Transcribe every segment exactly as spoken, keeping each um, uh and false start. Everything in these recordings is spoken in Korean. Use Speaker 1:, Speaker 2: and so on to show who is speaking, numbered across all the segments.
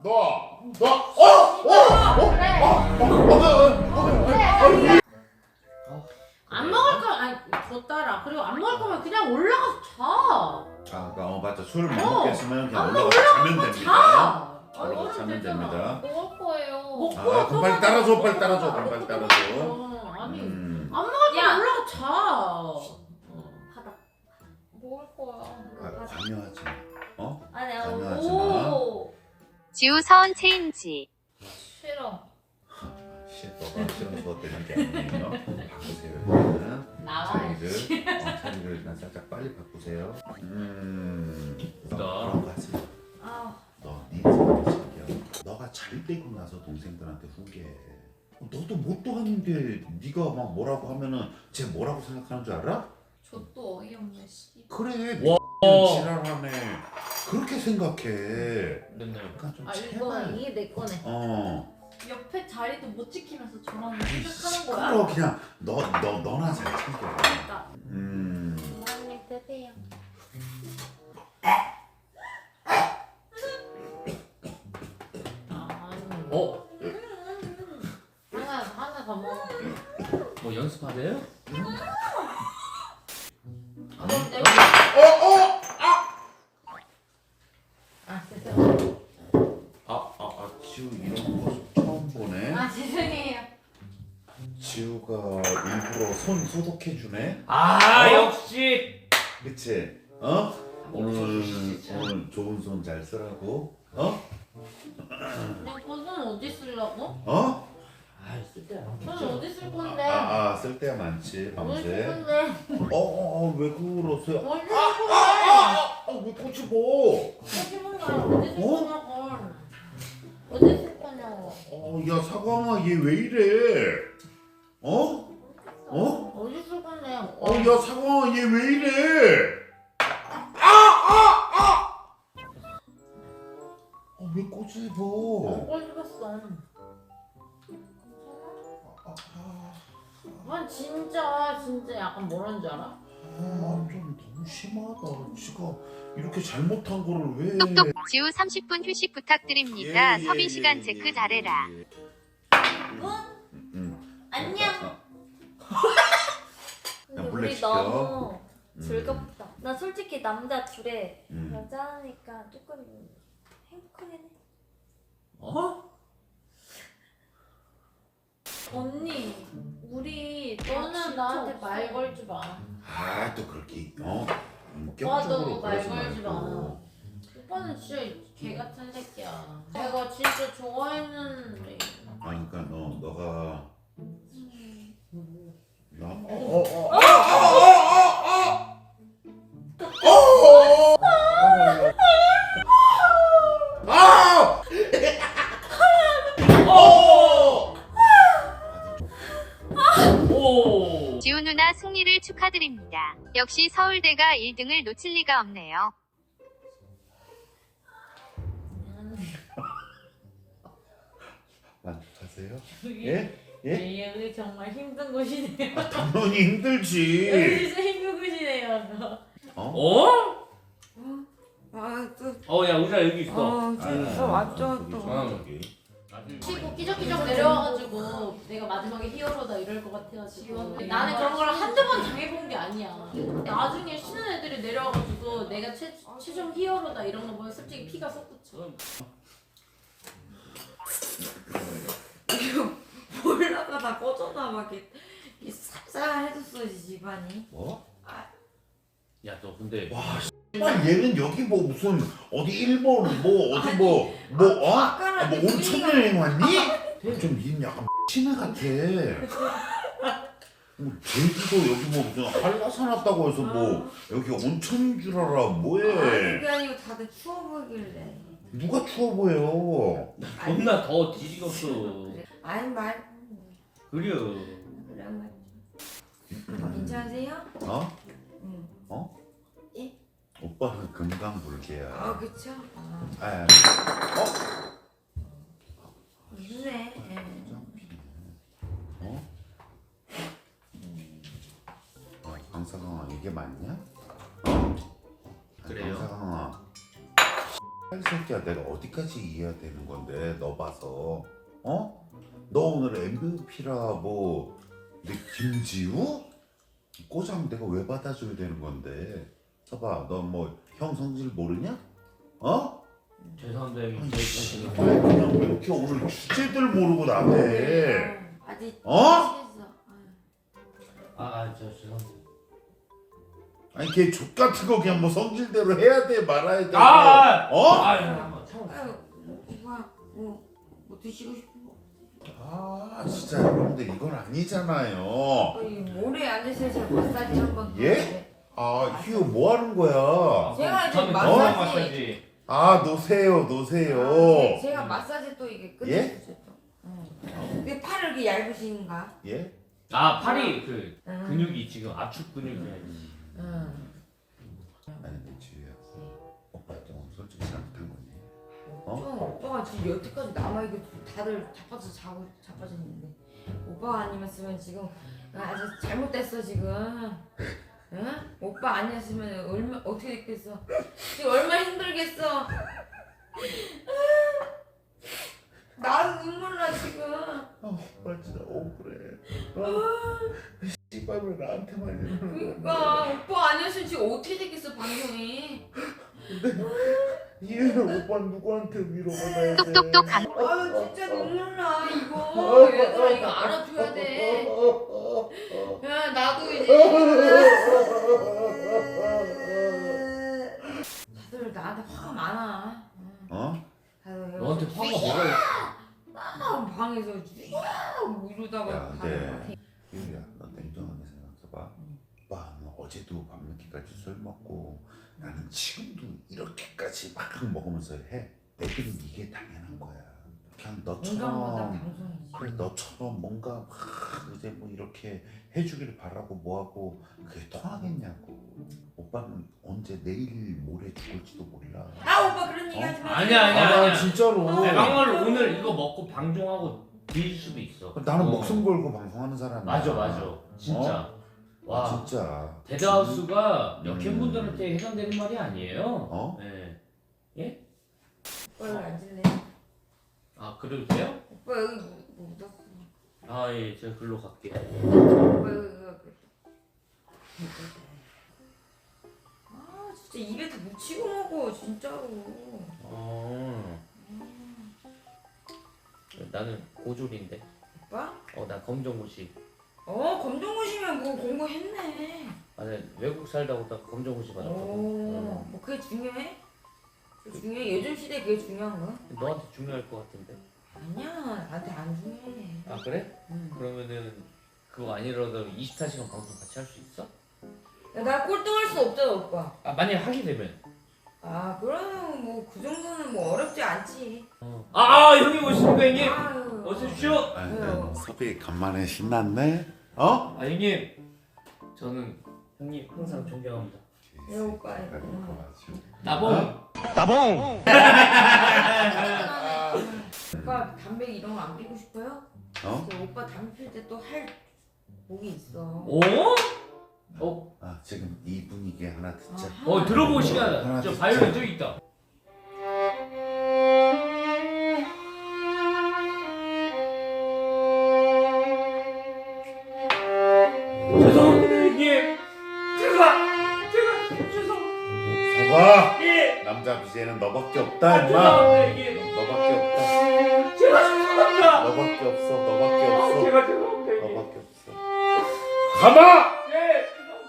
Speaker 1: 너, 너, 어, 어, 어,
Speaker 2: 그래.
Speaker 1: 어, 어, 어, 어, 어,
Speaker 2: 안 먹을 거 아니 더 따라. 그리고 안 먹을 거면 그냥 올라가서 자.
Speaker 1: 아, 어, 맞다. 술을 못
Speaker 2: 어.
Speaker 1: 먹겠으면 그냥
Speaker 2: 엄마
Speaker 1: 올라가서 자면 됩니다.
Speaker 2: 자.
Speaker 1: 올라가서 자면 됩니다.
Speaker 3: 먹을 거예요.
Speaker 2: 먹고
Speaker 1: 아, 그럼 빨리 따라줘, 빨리 따라줘,
Speaker 2: 먹고
Speaker 1: 빨리
Speaker 2: 먹고
Speaker 1: 따라줘.
Speaker 2: 먹고. 아니
Speaker 1: 음,
Speaker 2: 안 먹을
Speaker 3: 야.
Speaker 2: 거면 올라가 자. 어.
Speaker 3: 바닥. 먹을 거야.
Speaker 1: 아, 관여하지 마. 어?
Speaker 3: 아니,
Speaker 1: 관여하지 마.
Speaker 3: 오.
Speaker 4: 지우 서원 체인지.
Speaker 3: 싫어.
Speaker 1: 씨, 너가 싫은 거 되는 게 아니에요. 바꾸세요, 일단은.
Speaker 2: 나와.
Speaker 1: 자리를, 어, 자리를 일단 살짝 빨리 바꾸세요. 음, 너 그런 거 하지 마.
Speaker 3: 아,
Speaker 1: 너, 네 생각이 신기해. 너가 잘 되고 나서 동생들한테 후회해. 어, 너도 못도 하는데 네가 막 뭐라고 하면은 쟤 뭐라고 생각하는 줄 알아?
Speaker 3: 저도 어이없네, 씨.
Speaker 1: 그래,
Speaker 5: 와.
Speaker 1: 지랄하네. 그렇게 생각해.
Speaker 5: 맨날
Speaker 1: 그러니까 좀
Speaker 3: 아, 이거,
Speaker 1: 제발.
Speaker 3: 이게 내 거네.
Speaker 1: 어.
Speaker 3: 옆에 자리도 못 지키면서 저랑
Speaker 1: 아이,
Speaker 3: 생각하는 거야?
Speaker 1: 시끄러워. 그냥 너, 너, 너나 잘 챙겨.
Speaker 3: 그러니까.
Speaker 1: 음.
Speaker 3: 부모님 드세요.
Speaker 2: 아니.
Speaker 5: 어?
Speaker 2: 하나 하나 더 먹어.
Speaker 5: 뭐 연습하세요?
Speaker 2: 어, 내- 아 죄송해요.
Speaker 1: 아, 아, 아, 지우 이런 모습 처음 보네.
Speaker 2: 아 죄송해요.
Speaker 1: 지우가 일부러 손 소독해주네.
Speaker 5: 아
Speaker 1: 어?
Speaker 5: 역시.
Speaker 1: 그치? 어? 오늘,
Speaker 5: 진짜.
Speaker 1: 오늘 좋은 손 잘 쓰라고. 어?
Speaker 2: 내 거는 어디 쓰려고?
Speaker 1: 어?
Speaker 5: 아 쓸데야.
Speaker 2: 손 어디 쓸
Speaker 1: 아,
Speaker 2: 건데?
Speaker 1: 아, 아 쓸데가 많지,
Speaker 2: 어디 쓸
Speaker 1: 밤새.
Speaker 2: 건데?
Speaker 1: 어, 어, 어, 왜 그러세요?
Speaker 2: 어디 쓸
Speaker 1: 아,
Speaker 2: 건데?
Speaker 1: 아, 아, 왜 꼬치 보?
Speaker 2: 어디 건데? 어디 쓸
Speaker 1: 어?
Speaker 2: 거냐고? 어디 쓸 거냐고?
Speaker 1: 어, 야, 사광아, 얘 왜 이래? 어? 어?
Speaker 2: 어디 쓸 건데?
Speaker 1: 어, 야, 사광아, 얘 왜 이래? 아, 아, 아! 어, 왜 꼬치 보?
Speaker 2: 안 씹었어.
Speaker 1: 아, 아,
Speaker 2: 아 진짜 진짜 약간 뭐라는 줄 알아?
Speaker 1: 아, 좀 너무 심하다. 지가 이렇게 잘못한 거를 왜?
Speaker 4: 똑똑 지우 삼십 분 휴식 부탁드립니다.
Speaker 1: 예, 예,
Speaker 4: 섭외 시간
Speaker 1: 예,
Speaker 4: 체크
Speaker 1: 예,
Speaker 4: 잘해라.
Speaker 1: 예.
Speaker 3: 응?
Speaker 1: 응.
Speaker 3: 안녕. 근데
Speaker 1: 몰래
Speaker 3: 우리
Speaker 1: 시켜.
Speaker 3: 너무
Speaker 1: 음.
Speaker 3: 즐겁다. 나 솔직히 남자 둘에
Speaker 1: 음.
Speaker 3: 여자니까 조금 행복하긴 해.
Speaker 5: 어?
Speaker 3: 언니, 우리
Speaker 2: 너는 나한테 말 걸지 마.
Speaker 1: 아, 또 그렇게 어?
Speaker 2: 오빠도
Speaker 1: 인격적으로
Speaker 2: 말
Speaker 1: 그러지
Speaker 2: 걸지 마.
Speaker 1: 말고.
Speaker 2: 오빠는 진짜 개 같은 새끼야. 내가 진짜 좋아했는데.
Speaker 1: 아, 그러니까 너 너가
Speaker 3: 음.
Speaker 1: 나 어, 어, 어, 어, 어, 아! 어!
Speaker 5: 오.
Speaker 4: 지우 누나 승리를 축하드립니다. 역시 서울대가 일 등을 놓칠 리가 없네요.
Speaker 1: 만족하세요? 예? 예?
Speaker 2: 여기 정말 힘든 곳이네요.
Speaker 1: 아, 당연히
Speaker 2: 여기
Speaker 1: 힘들지.
Speaker 2: 진짜 힘든 곳이네요.
Speaker 1: 어?
Speaker 5: 어?
Speaker 6: 아, 또,
Speaker 5: 어, 야 우리가 여기 있어.
Speaker 6: 어, 진짜 완전
Speaker 1: 저기,
Speaker 6: 또.
Speaker 1: 저기.
Speaker 2: 치고 끼적끼적 내려와가지고 내가 마지막에 히어로다 이럴 것 같아가지고 나는 그런 걸 한두 번 당해본 게 아니야. 나중에 쉬는 애들이 내려와가지고 내가 최, 최종 히어로다 이런 거 보면 솔직히 피가 솟구쳐.
Speaker 6: 몰라가 꺼져나 막 이렇게, 이렇게 쌀쌀해졌어 집안이.
Speaker 1: 뭐?
Speaker 5: 야 너 근데
Speaker 1: 와, 씨발 얘는 여기 뭐 무슨 어디 일본 뭐 어디 뭐 뭐 어? 아, 뭐 온천 여행 왔니? 좀 얘는 약간 신애 같아. 뭐 제주도 여기 뭐 무슨 한라산 왔다고 해서 뭐 여기 온천인 줄 알아.
Speaker 6: 아니
Speaker 1: 뭐해?
Speaker 6: 그게 아니고 다들 추워 보이길래.
Speaker 1: 누가 추워 보여?
Speaker 5: 존나 더 뒤지겠어.
Speaker 6: 그래. 아니 말
Speaker 5: 그려.
Speaker 6: 그래 말. 괜찮으세요?
Speaker 1: 어?
Speaker 6: 응.
Speaker 1: 어?
Speaker 6: 예?
Speaker 1: 오빠는 금강불개야.
Speaker 6: 아 그쵸? 아,
Speaker 1: 아, 어?
Speaker 6: 있네. 예.
Speaker 1: 어? 어, 강사강아 이게 맞냐? 어?
Speaker 5: 그래요.
Speaker 1: 강사강아 이 새끼야, 내가 어디까지 이해해야 되는 건데 너 봐서 어? 너 오늘 엠브이피라 뭐 내 김지우? 꼬장 내가 왜 받아줘야 되는 건데? 봐봐, 너 뭐 형 성질 모르냐? 어?
Speaker 5: 죄송합니다 형님.
Speaker 1: 아니,
Speaker 5: 제
Speaker 1: 씨,
Speaker 5: 자신이-
Speaker 1: 그냥 왜 이렇게 오늘 주제들 모르고 나대?
Speaker 6: 아직
Speaker 1: 어?
Speaker 6: 미치겠어. 아유.
Speaker 5: 아, 저 죄송합니다.
Speaker 1: 아니 걔 족 같은 거 그냥 뭐 성질대로 해야 돼 말아야 돼?
Speaker 5: 아!
Speaker 1: 어?
Speaker 5: 아, 잠깐만 참아.
Speaker 6: 아유, 오빠 뭐, 뭐 드시고 싶어?
Speaker 1: 아 진짜 여러분들 이건 아니잖아요.
Speaker 6: 아니, 모래 앉으세요. 제가 마사지 한번.
Speaker 1: 예? 아 휴 뭐 하는 거야?
Speaker 6: 제가
Speaker 5: 저는
Speaker 6: 지금
Speaker 5: 마사지.
Speaker 6: 마사지-
Speaker 5: 마사지.
Speaker 1: 아 노세요 노세요.
Speaker 6: 아, 제가 마사지 또 이게 끝이
Speaker 1: 예?
Speaker 6: 있어요. 또. 응. 왜 팔을 이렇게 얇으신가?
Speaker 1: 예?
Speaker 5: 아 팔이 그
Speaker 6: 응.
Speaker 5: 근육이 지금 압축 근육이.
Speaker 6: 응.
Speaker 1: 아니 근데 지우야, 오빠 좀 솔직히 잘못한 거니? 어?
Speaker 6: 좀 오빠가 지금 여태까지 남아 이거 다들 자빠져 자고 자빠져 있는데 오빠가 아니었으면 지금 아주 잘못됐어 지금. 응? 오빠 아니었으면 얼마 어떻게 됐겠어? 지금 얼마나 힘들겠어? 나도 눈물 나 지금.
Speaker 1: 아 오빠 진짜 억울해. 어? 씨발 왜 나한테만 이러는 거야?
Speaker 6: 그러니까 오빠 아니었으면 지금 어떻게 됐겠어 방송이.
Speaker 1: 얘는 오빠 누구한테 위로받아야 돼?
Speaker 4: 똑똑똑 강-
Speaker 6: 아유 진짜 눈물 나 이거. 얘들아 이거 알아줘야 돼. 야 나도 이제 다들 나한테 화가 많아.
Speaker 1: 어?
Speaker 6: 다들
Speaker 5: 너한테 화가 뭐가 있어?
Speaker 6: 막 방에서 막 이러다가
Speaker 1: 야,
Speaker 6: 다들
Speaker 1: 근데
Speaker 6: 막
Speaker 1: 유리야, 너 냉정하게 생각해봐. 오빠, 너 어제도 밤늦게까지 술 먹고 나는 지금도 이렇게까지 막 먹으면서 해. 애들은 이게 당연한 거야. 그냥
Speaker 6: 건강보다
Speaker 1: 너처럼
Speaker 6: 방송이지.
Speaker 1: 그래, 너처럼 뭔가 막 이제 뭐 이렇게 해주기를 바라고 뭐하고 그게 통하겠냐고. 오빠는 언제 내일 모레 죽을지도 몰라.
Speaker 6: 아 오빠 그런 얘기 하지 마.
Speaker 5: 아니야, 아니야,
Speaker 1: 아,
Speaker 5: 아니야.
Speaker 1: 진짜로.
Speaker 5: 아니, 막말로 오늘 이거 먹고 방종하고 뒤질 수도 있어.
Speaker 1: 나는
Speaker 5: 어.
Speaker 1: 목숨 걸고 방송하는 사람이야.
Speaker 5: 맞아, 맞아. 진짜.
Speaker 1: 와,
Speaker 5: 와.
Speaker 1: 진짜.
Speaker 5: 데드하우스가
Speaker 1: 음.
Speaker 5: 역행분들한테 해당되는 말이 아니에요.
Speaker 1: 어?
Speaker 5: 네.
Speaker 6: 오빠 여기 앉을래?
Speaker 5: 아 그래도 돼요?
Speaker 6: 오빠 여기 뭐 묻었어.
Speaker 5: 아 예, 제가 글로 갈게요.
Speaker 6: 오빠 여기 여기. 아 진짜 입에 다 묻히고 먹어 진짜로.
Speaker 5: 어. 나는 고졸인데.
Speaker 6: 오빠?
Speaker 5: 어, 나 검정고시.
Speaker 6: 어 검정고시면 뭐 공부했네.
Speaker 5: 아, 네, 외국 살다 오다 검정고시 받았거든.
Speaker 6: 오, 뭐 그게 중요해? 그게 중요해? 요즘 시대에 그게 중요한 거야?
Speaker 5: 너한테 중요할 것 같은데.
Speaker 6: 아니야, 나한테 안 중요해.
Speaker 5: 아 그래?
Speaker 6: 응.
Speaker 5: 그러면은 그거 아니라도 이십사 시간 방송 같이 할 수 있어?
Speaker 6: 야, 나 꼴등할 수 없잖아, 오빠.
Speaker 5: 아 만약 하게 되면.
Speaker 6: 아, 그러면 뭐 그 정도는 뭐 어렵지 않지.
Speaker 5: 어. 아, 아 형님 오십니까 형님?
Speaker 6: 아유.
Speaker 5: 어서 오십시오.
Speaker 1: 아, 근데 섭이 간만에 신났네. 어?
Speaker 5: 아 형님, 저는 형님 항상 존경합니다.
Speaker 6: 네, 오빠.
Speaker 5: 나봉.
Speaker 6: 오빠 담배 이런 거 안 피고 싶어요?
Speaker 1: 어?
Speaker 6: 저 오빠 담배 필 때 또 할 목이 있어.
Speaker 5: 오? 어?
Speaker 1: 아 지금 이 분위기에 하나 듣자.
Speaker 6: 아,
Speaker 5: 어 들어볼 시간.
Speaker 1: 하나
Speaker 5: 저
Speaker 1: 듣자.
Speaker 5: 바이올린 저기 있다. 죄송합니다 형님. 제가 제가 죄송.
Speaker 1: 서봐.
Speaker 5: 예.
Speaker 1: 남자 비제는 너밖에 없다
Speaker 5: 아,
Speaker 1: 임마.
Speaker 5: 죄송합니다 형님.
Speaker 1: 너밖에 없다.
Speaker 5: 제가 죄송합니다.
Speaker 1: 너밖에 없어. 너밖에
Speaker 5: 아,
Speaker 1: 없어.
Speaker 5: 제가 죄송합니다 형님.
Speaker 1: 너밖에 없어. 가마.
Speaker 5: 예. 죄송합니다.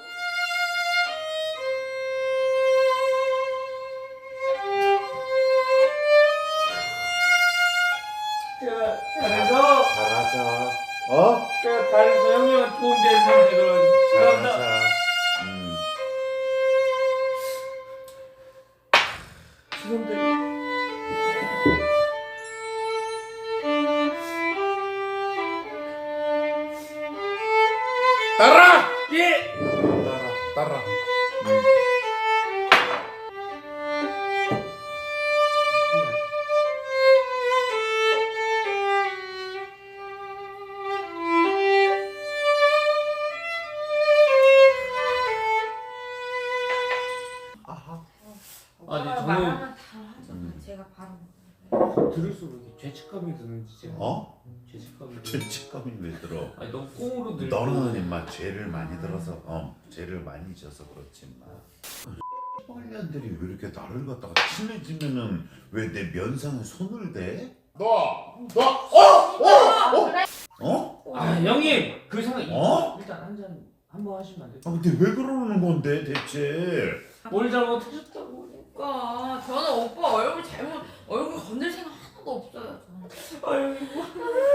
Speaker 5: 제가 잘해서
Speaker 1: 잘하자. 어?
Speaker 5: 제가 잘해서 형님한테 도움 되는 사람들은 죄송합니다.
Speaker 1: 잘하자. 음.
Speaker 5: 죄송합니다.
Speaker 1: 따라.
Speaker 5: 예.
Speaker 1: 따라. 따라. 음.
Speaker 5: 아니,
Speaker 6: 오빠가
Speaker 5: 저는-
Speaker 6: 말하면 다 하죠.
Speaker 1: 음.
Speaker 5: 죄책감이 드는지 제가.
Speaker 1: 어?
Speaker 5: 죄책감이. 드-
Speaker 1: 죄책감이 왜 들어?
Speaker 5: 아니 너무 꽁으로 늘.
Speaker 1: 너는 임마 죄를 많이 들어서 어 죄를 많이 져서 그렇지 임마. 빨년들이 왜 이렇게 나를 갖다가 친해지면은 왜 내 면상에 손을 대? 너! 너! 어! 어! 어! 어?
Speaker 5: 아 형님 그 생각
Speaker 1: 어?
Speaker 5: 일단 한 잔 한번 하시면 안 돼요?
Speaker 1: 아 근데 왜 그러는 건데 대체?
Speaker 5: 뭘 잘못하셨다고?
Speaker 6: 그러니까 저는 오빠 얼굴 잘못 얼굴 건들 생각 하나도 없어요. 저는. 아이고.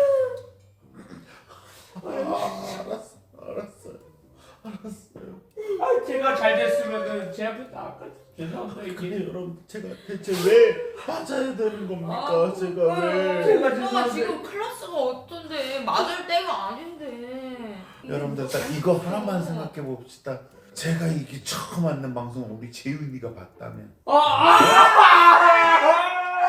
Speaker 1: 아, 알았어 알았어요 알았어요.
Speaker 5: 아 제가 잘 됐으면은 제 앞에 나아까 죄송합니다
Speaker 1: 근데
Speaker 5: 이게.
Speaker 1: 여러분 제가 대체 왜 맞아야 되는 겁니까?
Speaker 6: 아,
Speaker 1: 제가 왜?
Speaker 5: 제가
Speaker 6: 오빠가
Speaker 5: 죄송한데.
Speaker 6: 지금 클래스가 어떤데 맞을 때가 아닌데.
Speaker 1: 여러분들 딱 이거 하나만 생각해 봅시다. 제가 이게 처음 맞는 방송 우리 재윤이가 봤다면
Speaker 5: 아, 아!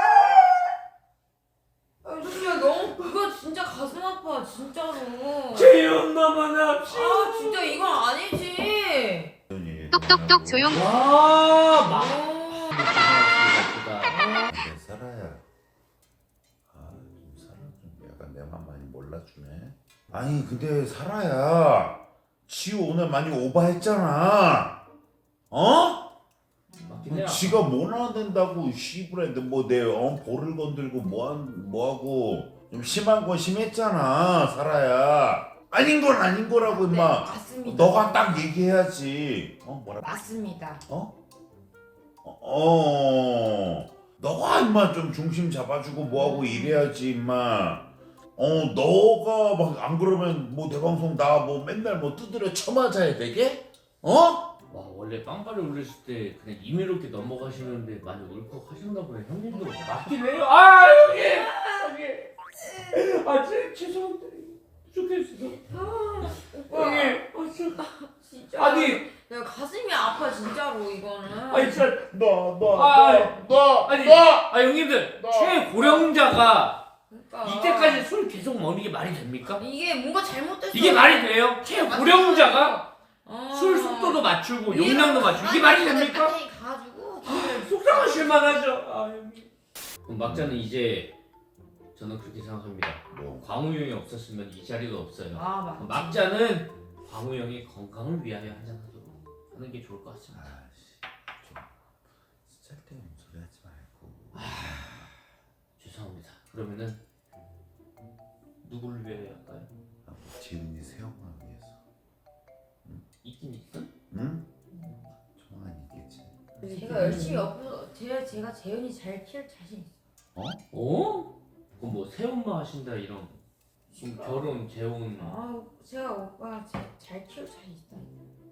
Speaker 6: 아, 진짜 너무 그거 진짜 가슴 아파 진짜로.
Speaker 5: 재윤 너무나 씨.
Speaker 6: 아 진짜 이건 아니지.
Speaker 1: 재윤이
Speaker 4: 똑똑똑 조용.
Speaker 5: 와 막.
Speaker 6: 어.
Speaker 1: 내 살아야 아좀 살아 좀 약간 내 맘 많이 몰라주네. 아니 근데 살아야 지우 오늘 많이 오버했잖아. 어?
Speaker 5: 맞긴 해요.
Speaker 1: 지가 뭐 나야 된다고 씨부레인데 뭐내 어, 볼을 건들고 뭐한 뭐하고 좀 심한 건 심했잖아 살아야. 아닌 건 아닌 거라고
Speaker 6: 네,
Speaker 1: 임마.
Speaker 6: 맞습니다.
Speaker 1: 너가 딱 얘기해야지. 어 뭐라?
Speaker 6: 맞습니다.
Speaker 1: 어? 어, 어. 너가 임마 좀 중심 잡아주고 뭐하고 이래야지 임마. 어 너가 막 안 그러면 뭐 내 방송 나 뭐 맨날 뭐 두드려 쳐맞아야 되게? 어?
Speaker 5: 와 원래 빵빠레 올렸을 때 그냥 임의롭게 넘어가시는데 많이 울컥하셨나 보네. 형님도 맞긴 해요. 아 형님 형님 아 제, 죄송합니다. 부족했어요.
Speaker 6: 오빠.
Speaker 5: 형님 아 진짜
Speaker 6: 진짜.
Speaker 5: 아니
Speaker 6: 내가 가슴이 아파 진짜로 이거는.
Speaker 5: 아니 진짜
Speaker 1: 너너너너
Speaker 5: 아,
Speaker 1: 너,
Speaker 5: 아니
Speaker 1: 너.
Speaker 5: 아 형님들
Speaker 1: 너.
Speaker 5: 최고령자가
Speaker 6: 그러니까.
Speaker 5: 이때까지 술 계속 먹는 게 말이 됩니까?
Speaker 6: 이게 뭔가 잘못됐어.
Speaker 5: 이게 말이 돼요? 최고령자가
Speaker 6: 어.
Speaker 5: 술 속도도 맞추고
Speaker 6: 이해가
Speaker 5: 용량도 맞추고 이게 말이
Speaker 6: 가만히
Speaker 5: 됩니까?
Speaker 6: 가만히 가가지고.
Speaker 5: 속상하실 만하죠. 아 형님. 그럼 막자는 이제 저는 그렇게 생각합니다.
Speaker 1: 뭐
Speaker 5: 광우 형이 없었으면 이 자리도 없어요.
Speaker 6: 아 맞지.
Speaker 5: 막자는 광우 형의 건강을 위하여 한잔하도록 하는 게 좋을 것 같습니다.
Speaker 1: 아씨 좀 쓸데없는 소리 하지 말고.
Speaker 5: 죄송합니다. 그러면은 누구를 위하여 할까요?
Speaker 1: 아, 뭐 지은이 세영아 위해서.
Speaker 5: 있긴 있음?
Speaker 1: 응? 정말 있겠지.
Speaker 6: 제가 열심히 옆에서 제가 제가 재현이 잘 키울 자신 있어.
Speaker 5: 어? 그럼 뭐 새엄마 하신다 이런 지금 결혼 재혼
Speaker 6: 아 제가 오빠 제, 잘 키울 자신 있다.